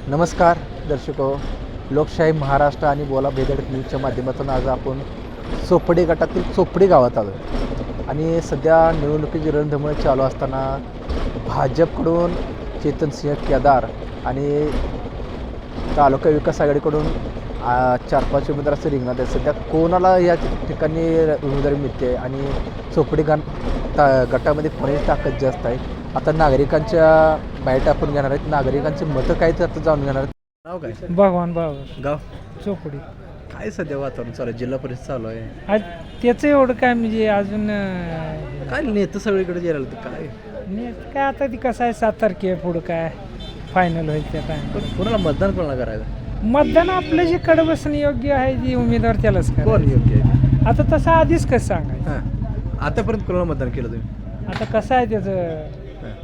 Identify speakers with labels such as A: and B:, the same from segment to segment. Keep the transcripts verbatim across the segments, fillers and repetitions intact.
A: नमस्कार दर्शको, लोकशाही महाराष्ट्र आणि बोला बेधडक न्यूजच्या माध्यमातून आज आपण चोपडी गटातील चोपडी गावात आलो आणि सध्या निवडणुकीची रणधुमाळी चालू असताना भाजपकडून चेतनसिंह केदार आणि तालुका विकास आघाडीकडून चार पाच उमेदवारांचे रिंगणात आहे. सध्या कोणाला या ठिकाणी उमेदवारी मिळते आणि चोपडी गण ता गटामध्ये कोणाची ताकद जास्त आहे. आता नागरिकांच्या बाईट आपण घेणार आहेत. नागरिकांचे मतं काय ते आता जाणून घेणार आहेत. नाव काय?
B: भगवान बाबा,
A: गाव
B: चोपडी.
A: काय सध्या वातावरण चालू आहे? जिल्हा परिषद चालू आहे.
B: आज त्याचं एवढं काय म्हणजे अजून
A: काय नेतं सगळीकडे गेलं तर काय
B: नाही काय आता ती कसं आहे सात तारखे पुढं काय फायनल होईल त्या टाइम.
A: पण कोणाला मतदान कोणाला करायचं?
B: मतदान आपलं जे कडबसणं योग्य आहे जी उमेदवार त्यालाच
A: कोण
B: करायचं.
A: योग्य आहे?
B: आता तसं आधीच कसं सांगायचं.
A: हां, आतापर्यंत कोणाला मतदान केलं तुम्ही?
B: आता कसं आहे त्याचं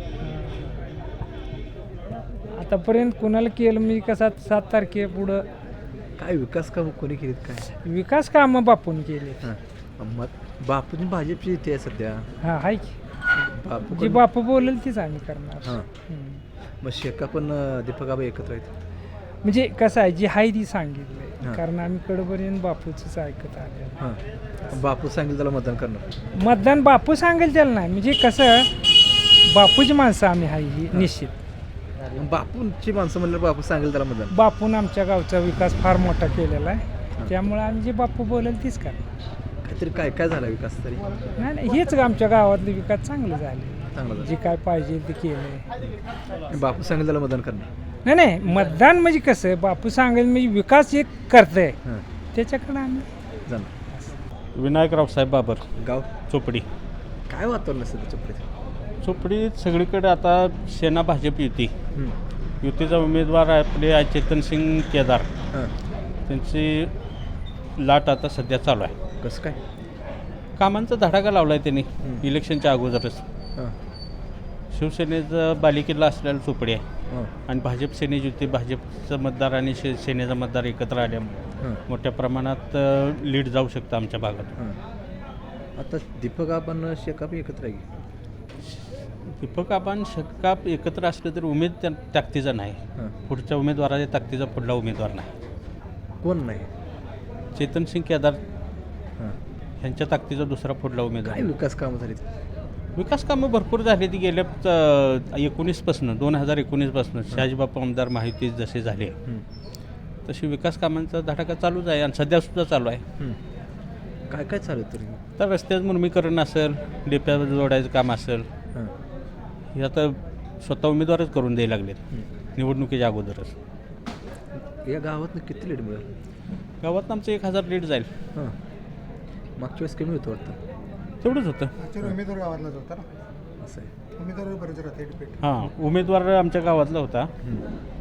B: आतापर्यंत कुणाला केलं म्हणजे कसं सात तारखे पुढं
A: काय विकास कामं कोणी केलीत? काय
B: विकास कामं बापून केले.
A: हां, मत बापूजी भाजपची इथे आहे सध्या.
B: हा आहे की
A: बापू
B: जी बापू बोलेल तीच आम्ही करणार.
A: हां,
B: हम्म.
A: मग शेका पण दीपक आबा एकत्र आहेत.
B: म्हणजे कसं आहे जी आहे ती सांगितलंय
A: हां.
B: कारण आम्ही कडपर्यंत बापूच ऐकत आले.
A: हां, बापू सांगेल त्याला मतदान करणार.
B: मतदान बापू सांगेल त्याला नाही म्हणजे कसं बापूची माणसं आम्ही आहे ही निश्चित.
A: बापूंची माणसं म्हणलं बापू सांगेल त्याला मतदान.
B: बापून आमच्या गावचा विकास फार मोठा केलेला आहे त्यामुळे आम्ही जे बापू बोलेल तीच करणार.
A: काहीतरी काय काय झाला विकास तरी
B: नाही नाही हेच आमच्या गावातले विकास चांगले झाले.
A: चांगला
B: जे काय पाहिजे ते केलंय.
A: बापू सांगेल त्याला मतदान करणार.
B: नाही नाही मतदान म्हणजे कसं बापू सांगेल म्हणजे विकास एक करतंय
A: हां,
B: त्याच्याकडे आम्ही
A: जाणार.
C: विनायक रावसाहेब बाबर,
A: गाव
C: चोपडी.
A: काय वातावरण असेल त्याच्या
C: चोपडीत सगळीकडे आता सेना भाजप युती युतीचा उमेदवार आपले आहे चेतनसिंग केदार.
A: हां,
C: त्यांची लाट आता सध्या चालू आहे.
A: कसं काय?
C: कामांचा धडाका लावला आहे त्यांनी
A: हं.
C: इलेक्शनच्या अगोदरच.
A: हां,
C: शिवसेनेचं बालेकिल्ला असलेला चोपडी आहे
A: हां,
C: आणि भाजप सेनेची युती भाजपचं मतदार आणि शे सेनेचा मतदार एकत्र आल्यामुळे
A: हां,
C: मोठ्या प्रमाणात लीड जाऊ शकतं आमच्या भागात.
A: हां. आता दीपक आपण शेका पण एकत्र आहे.
C: दीपक आपण शकाप एकत्र असलं तरी उमेद त्या ताकदीचा नाही.
A: हां,
C: पुढच्या उमेदवाराच्या ताकदीचा पुढला उमेदवार नाही.
A: कोण नाही?
C: चेतनसिंग केदार
A: हां,
C: ह्यांच्या ताकदीचा दुसरा पुढला
A: काय
C: उमेदवार.
A: विकास कामं झालीत?
C: विकास कामं भरपूर झाली ती गेल्या अ, एकोणीसपासनं दोन हजार एकोणीसपासनं शहाजीबापू आमदार माहिती जसे झाले
A: हं,
C: तशी विकास कामांचा धडाका चालूच आहे आणि सध्यासुद्धा चालू आहे.
A: हं. काय काय चालू आहे तरी?
C: तर रस्त्याचं मुर्मीकरण असेल, डेप्या जोडायचं काम असेल,
A: हां,
C: हे आता स्वतः उमेदवारच करून द्यायला लागलेत
A: हं.
C: निवडणुकीच्या अगोदरच.
A: या गावातनं किती लीड मिळेल?
C: गावात आमचं एक हजार लीड जाईल.
A: हां, मागच्या वेळेस कमी होतं वाटतं.
C: तेवढंच होतं.
D: उमेदवार गावातलाच होता ना.
A: असं आहे.
D: उमेदवार बरेच राहते डिपेंड.
C: हां, उमेदवार आमच्या गावातला होता.
A: हं.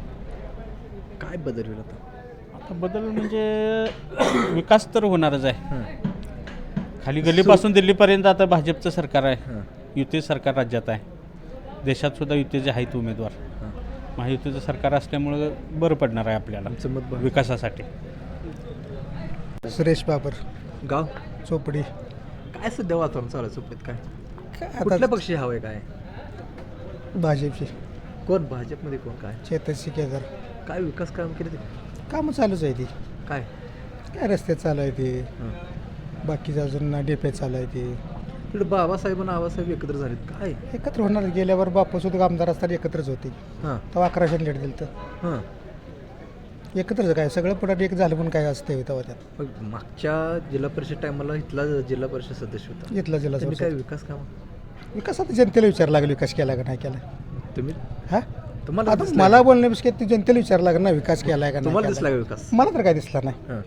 A: काय बदल होईल आता?
C: आता बदल म्हणजे विकास तर होणारच आहे.
A: हां,
C: खाली गल्लीपासून दिल्लीपर्यंत आता भाजपचं सरकार आहे.
A: हां,
C: युती सरकार राज्यात आहे. देशात सुद्धा युतीचे आहेत उमेदवार.
A: हां.
C: महायुतीचं सरकार असल्यामुळं बरं पडणार आहे आपल्याला
A: आमचं मत बघ.
C: विकासासाठी.
D: सुरेश बाबर,
A: गाव
D: चोपडी.
A: काय सध्या वातावरण चालू आहे चोपडीत? काय
D: काय
A: कुठल्या
D: आता
A: पक्षी हवं आहे? काय
D: भाजपची
A: कोण भाजपमध्ये कोण? काय
D: चेतनसिंह केदार.
A: काय विकास काम केले ते?
D: कामं चालूच आहे ती.
A: काय?
D: काय रस्ते चालू आहे ते,
A: हां,
D: बाकीचं अजून डेपे चालू आहे ते.
A: तिकडे बाबासाहेब आणि आबासाहेब एकत्र झालेत. काय?
D: एकत्र होणार. गेल्यावर बापू सुद्धा आमदार असताना एकत्रच होते.
A: हां,
D: तेव्हा अकराशे लीड दिलं तर
A: हां.
D: एकत्रच काय सगळं पुढे एक झालं पण काय असते तेव्हा त्यात
A: मग मागच्या जिल्हा परिषद टायमाला इथला जिल्हा परिषद सदस्य होता.
D: घेतला जिल्हा
A: त्यांनी काय
D: परिषद.
A: विकास काम?
D: विकास आता जनतेला विचार लागेल विकास केला का नाही केला.
A: तुम्ही
D: हा
A: तुम्हाला
D: आता
A: दिसला
D: मला
A: का?
D: बोलण्यापेक्षा ते जनतेला विचार लागेल ना विकास केलाय का नाही
A: तुम्हाला
D: केलाय.
A: दिसला का विकास?
D: मला तर काय दिसला नाही.
A: हां,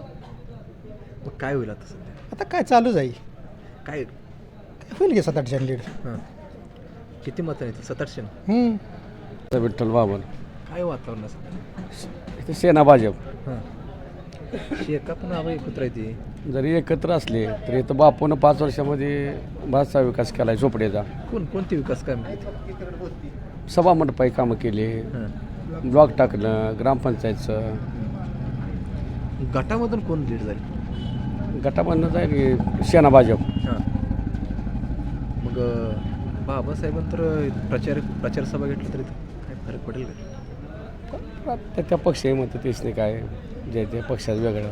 A: मग काय होईल आता सध्या?
D: आता काय चालू जाईल.
A: काय?
D: होईल की सात आठशे लीड.
A: हां, किती मतं आहेत? सात आठशे.
D: हम्म.
E: विठ्ठल बाबर,
A: काय वातावरण असं?
E: इथे सेना भाजप
A: हां, शेका पण आबा एकत्र आहे ती.
E: जरी एकत्र असले तरी इथं बापूनं पाच वर्षामध्ये बराचसा विकास केला आहे चोपडेचा.
A: कोण कोणते विकास काम केले?
E: सभा मंडपाई कामं केली,
A: हां,
E: ब्लॉक टाकलं, ग्रामपंचायतचं.
A: गटामधून कोण लीड झाली?
E: गटामधनं जाईल की सेना भाजप.
A: हां, मग बाबासाहेबांतर प्रचार प्रचार सभा घेतली तरी काय फरक पडेल का?
E: त्या त्या पक्षाही म्हणतं तेच नाही काय जे ते पक्षाचं वेगळं.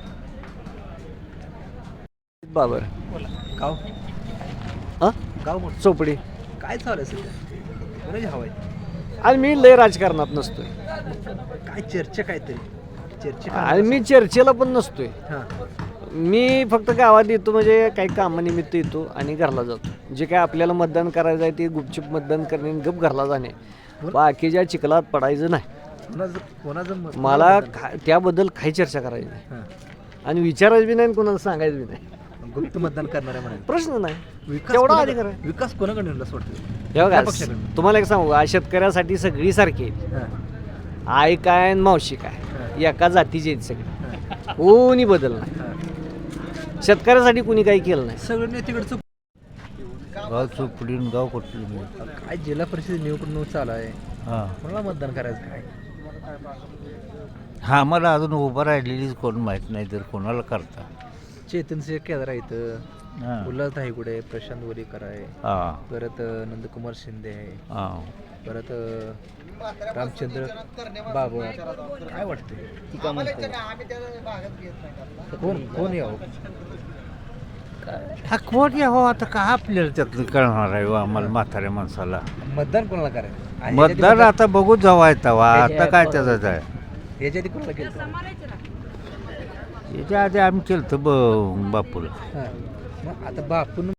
F: बाबर
A: गाव
F: हां
A: गाव मोठं
F: चोपडी.
A: काय चालू आहे सध्या कोणाची हवा आहे
F: आणि मी लय राजकारणात नसतोय
A: काय चर्चा काहीतरी चर्चा
F: आणि मी चर्चेला पण नसतोय.
A: हां
F: मी फक्त गावात येतो म्हणजे काही कामानिमित्त येतो आणि घरला जातो. जे काय आपल्याला मतदान करायचं आहे ते गुपचूप मतदान करणे आणि गप घरला जाणे. बाकीच्या चिखलात पडायचं नाही.
A: कोणाचं कोणाचं मत-
F: मला खा- त्याबद्दल काही चर्चा करायची नाही
A: हां.
F: आणि विचारायचं बी नाही आणि कोणाला सांगायचं बी नाही.
A: गुप्त मतदान करणार आहे म्हणाले
F: प्रश्न नाही.
A: विकास
F: तेवढा
A: कोणाकडे-
F: अधिकार आहे.
A: विकास कोणाकडे असं वाटतं
F: हे
A: त्या
F: बघा
A: पक्षाकडून.
F: तुम्हाला एक सांगू का, शेतकऱ्यासाठी सगळी सारखी आहे.
A: हां.
F: आई काय आणि मावशी काय एका जातीचे आहेत सगळे. कोणी बदल नाही. शेतकऱ्यासाठी कुणी काही केलं नाही.
A: सगळं नेतेकडचं
G: गाव चोपडी गाव कुठलं
A: काय जिल्हा परिषद निवडणूक चालू आहे
G: हां
A: कोणाला मतदान करायचं काय
G: हा आम्हाला अजून उभं राहिलेलीच कोण माहीत नाही तर कोणाला करता.
A: चेतन सिंह केदार आहे इथं
G: हां
A: उल्हास धायगुडे आहे प्रशांत वलीकर आहे
G: हां
A: परत अं, नंदकुमार शिंदे आहे
G: हां
A: परत अं, रामचंद्र बाबर काय वाटतं ती का म्हणते कोण कोण यावं
G: हा कोण यावं आता का आपल्याला त्यातलं कळणार आहे हो आम्हाला म्हाताऱ्या माणसाला.
A: मतदान कोणाला करायचं आणि
G: मतदार आता बघू जावा येतावा आता काय त्याचं आहे.
A: याच्या आधी कोणाला केलं
G: याच्या आधी आम्ही केलं तर ब बापूला.
A: हां मग आता बापून